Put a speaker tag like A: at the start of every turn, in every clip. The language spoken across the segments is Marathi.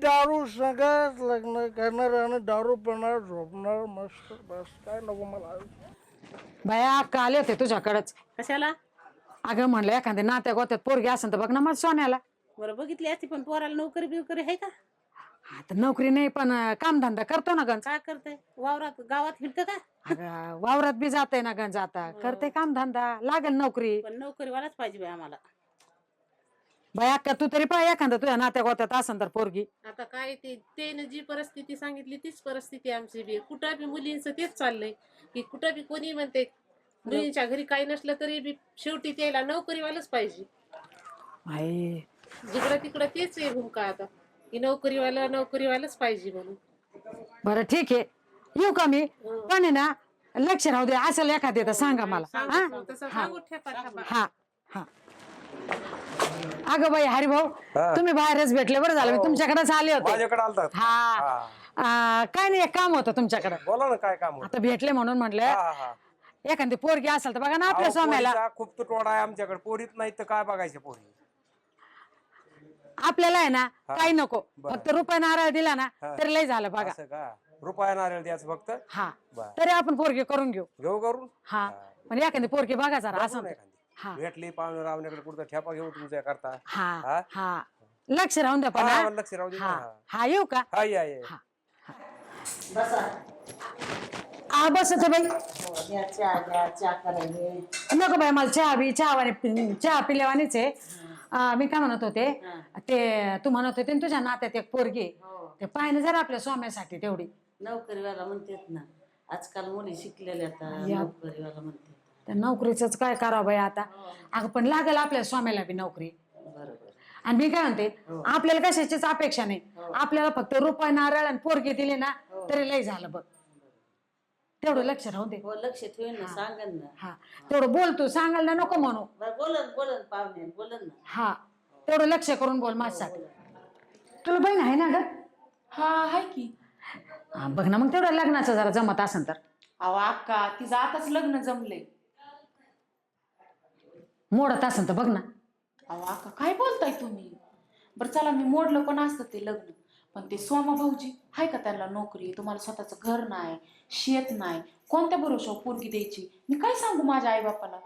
A: दारू सगळ्यात लग्न करणार आणि दारू पिणार झोपणार मस्त बस काय नको मला.
B: बाया अक्का आले होते तुझ्याकडच.
C: कशाला?
B: अगं म्हणलं एखाद्या नात्या गोत्यात पोरगी असेल तर बघ ना माझ्या सोन्याला.
C: बरं बघितली असती पण पोराला नोकरी बिवकरी आहे का?
B: आता नोकरी नाही पण कामधंदा करतो ना गंज.
C: काय करते वावरात गावात फिरतं का?
B: अगं वावरात बी जाते ना गंज आता करते कामधंदा लागेल नोकरी.
C: पण नोकरीवालाच पाहिजे बाई आम्हाला.
B: बाई अक्का तू तरी पाय एखादा तुझ्या नात्या गोत्यात असेल तर पोरगी.
C: आता काय ते जी परिस्थिती सांगितली तीच परिस्थिती आमची बी. कुठं बी मुलींचं तेच चाललंय की कुठं बी कोणी म्हणते मुलींच्या घरी काही नसलं तरी बी शेवटी त्याला नोकरीवालाच पाहिजे.
B: बाई
C: जिकडं तिकडं तेच आहे भूमिका आता की नोकरीवालाच पाहिजे म्हणून.
B: बरं ठीक आहे येऊ का मी पण आहे ना लक्ष राहू दे असेल एखादे तर सांगा मला.
C: तसं सांगू ठेपा.
B: हा हा अगं बाई हरिभाऊ तुम्ही बाहेरच भेटले बरं झालं मी तुमच्याकडेच आले होते.
D: माझ्याकडे आलतात.
B: हा काय नाही एक काम होतं तुमच्याकडे.
D: बोला ना काय काम होतं?
B: आता भेटले म्हणून म्हटलं एखादी पोरगी असेल तर बघा ना आपल्या
D: अहो,
B: स्वाम्याला.
D: पोरीचा खूप तुटवडा आहे आमच्याकडे. पोरीत नाही तर काय बघायचं पोरी.
B: आपल्याला आहे ना काही नको फक्त रुपये नारळ दिला ना तरी लय झालं बघा.
D: असं का? रुपया नारळ द्यायचं फक्त?
B: हा
D: बरं.
B: तरी आपण पोरगी करून घेऊ.
D: घेऊ करून?
B: हा पण एखादी पोरगी बघा जरा असं. हा
D: भेटली पाहुणे रावण्याकडे कुठं ठेपा घेऊ तुमच्या करता.
B: हा हा लक्ष राहून द्या पण हा.
D: लक्ष राहू दे.
B: हा येऊ का?
D: हा या या.
B: हा बस बाई नको बाई मला चहा पिल्यावानीच आहे. मी काय म्हणत होते ते तू म्हणत होते ना तुझ्या नात्यात एक पोरगी ते पाहिजे जरा आपल्या स्वाम्यासाठी तेवढी.
E: नोकरीवाला म्हणतात ना आजकाल मुली शिकलेल्या नोकरीवाला म्हणतात.
B: त्या नोकरीच काय करावं बाई आता. अगं पण लागेल आपल्या स्वाम्याला बी नोकरी.
E: बरोबर.
B: आणि मी काय म्हणते आपल्याला कशाचीच अपेक्षा नाही. आपल्याला फक्त रुपये नारळ आणि पोरगी दिली ना तरी लय झालं बघ. तेवढं लक्ष राहू दे.
E: हो लक्ष ठेवून ना सांगन ना.
B: हा तेवढं बोल तू सांगायला नको म्हणू.
E: बोलन पाहुणे बोलन ना.
B: हा तेवढं लक्ष करून बोल माझ्यासाठी. तुला बहीण आहे ना ग?
F: हा आहे की.
B: बघ ना मग तेवढं लग्नाचं जरा जमत असेल तर.
F: अहो अक्का तिचं आताच लग्न जमलंय.
B: मोडत असेल तर बघ ना.
F: अहो अक्का काय बोलताय तुम्ही? बरं चला मी मोडलं पण असतं ते लग्न पण ते सोमा भाऊजी आहे का त्यांना नोकरी? तुम्हाला स्वतःचं घर नाही शेत नाही कोणत्या भरोशावर पोरगी द्यायची? मी काय सांगू माझ्या आई बापाला?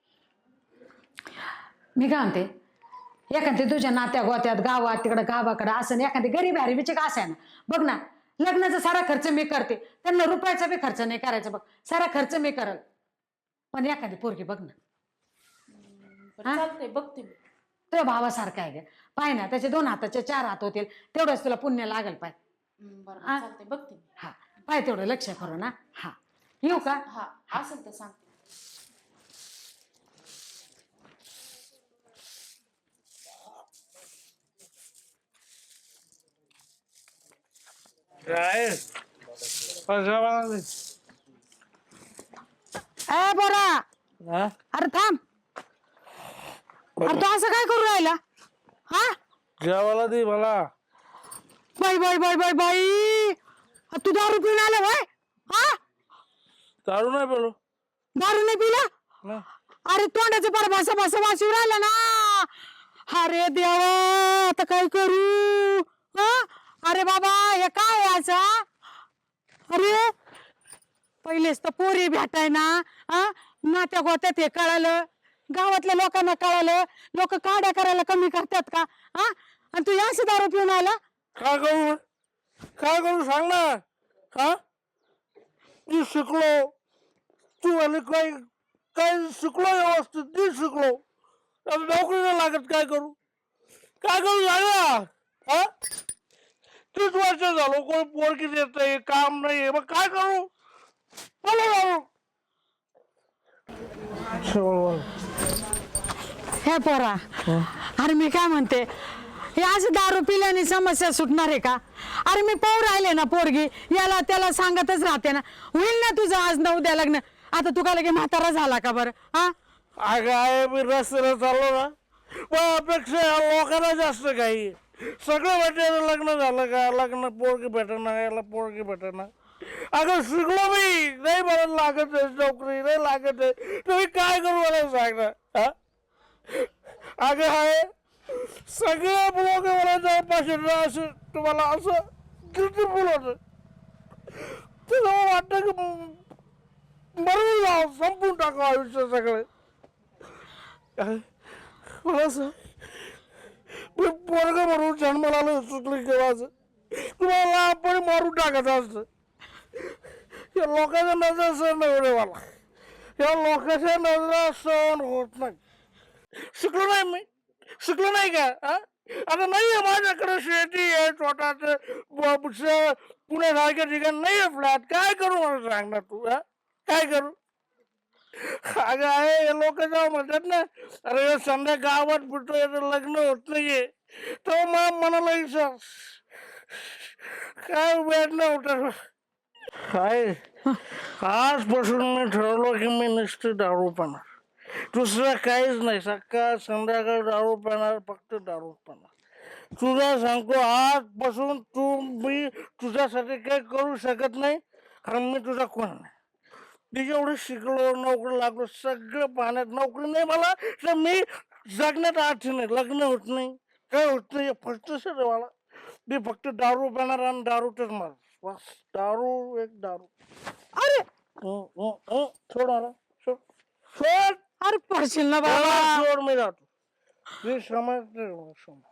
B: मी काय म्हणते एखादी तुझ्या नात्या गोत्यात गावात तिकडं गावाकडं असं एखादी गरीब हरिबीची का असाय ना बघ ना. लग्नाचा सारा खर्च मी करते त्यांना रुपयाचा बी खर्च नाही करायचा बघ. सारा खर्च मी करल पण एखादी पोरगी बघ ना.
F: चालतंय बघते मी.
B: तुझ्या भावासारखा आहे ग पाय ना त्याचे 2 हाताचे 4 हात होतील तेवढंच तुला पुण्य लागेल पाय.
F: बरं चालतंय बघते मी.
B: हा पाय तेवढं लक्ष करू ना. हा येऊ का?
F: हा असेल तर सांगते.
A: काय
B: ए बोरा
A: हा
B: अरे थांब. अरे तू असं काय करू राहिला? हा
A: जेवायला दे मला.
B: बाई बाई बाई बाई बाई तू दारू पिऊन आला भाई? हा
A: दारू नाही पेलो.
B: दारू नाही पिला? अरे तोंडाचं पर भासा भासा वाशी राहिला ना. अरे देवा आता काय करू? हा अरे बाबा हे काय याचा? अरे पहिलेच तर पोरी भेटाय ना. नात्या गोत्यात हे कळालं गावातल्या लोकांना कळालं लोक काड्या करायला कमी करतात का? आणि तू याच दारू पिऊन आला?
A: काय करू सांग ना. हा मी शिकलो तू आणि काय शिकलो व्यवस्थित मी शिकलो नोकरी नाही लागत काय करू सांग ना. 30 वर्ष झालो कोणी पोरगी देत नाही काम नाही मग काय करू बोला.
B: हे पोरा अरे मी काय म्हणते हे आज दारू पिल्याने समस्या सुटणार आहे का? अरे मी पाहू राहिले ना पोरगी याला त्याला सांगतच राहते ना. होईल ना तुझं आज न उद्या लग्न. आता तू का लगे म्हातारा झाला का बरं? हा
A: अगं आहे मी रस्त्याला चाललो ना पण अपेक्षा लोकांना जास्त काही सगळं भेटायला लग्न झालं का लग्न पोरगी भेटणार याला पोरगी भेटणार. अगं शिकलो मी नाही मला लागत आहे नोकरी नाही लागत आहे तुम्ही काय करू मला सांग ना. अगं आहे सगळे लोक मला जवळपास असं तुम्हाला असं ब्युटिफुल होत तुला वाटतं की मरून जावं संपून टाकावं आयुष्य सगळे मला मी पोरग म्हणून जन्माला आलं चुकलं केव्हाच तुम्हाला आपण मारून टाकत असत या लोकांच्या नजर सहन एवढे मला या लोकांच्या नजरा सहन होत नाही शिकलो नाही मी शिकलो नाही का आता नाही आहे माझ्याकडे शेती आहे छोटाच पुण्यासारख्या ठिकाणी नाही आहे फ्लॅट काय करू मला सांग ना तू काय करू अगं आहे हे लोक जेव्हा म्हणतात ना अरे संध्या गावात फिरतोय लग्न होत नाहीये तो मनाला विश्वास काय वेळ नव्हतं काय आजपासून मी ठरवलं की मी नुसतं दारू पिणार दुसरं काहीच नाही सकाळ संध्याकाळ दारू पिणार फक्त दारू पिणार तुला सांगतो आजपासून मी तुझ्यासाठी काही करू शकत नाही कारण मी तुझा कोण नाही मी जेवढं शिकलो नोकरी लागलो सगळं पाहण्यात नोकरी नाही मला तर मी जगण्यात अर्थ नाही लग्न होत नाही काय होत नाही फक्त सर मला मी फक्त दारू पिणार आणि दारूतच मार बस दारू एक दारू
B: अरे
A: सोड मला सोड
B: अरे पडशील ना बाबा
A: सोड मी जातो मी समजते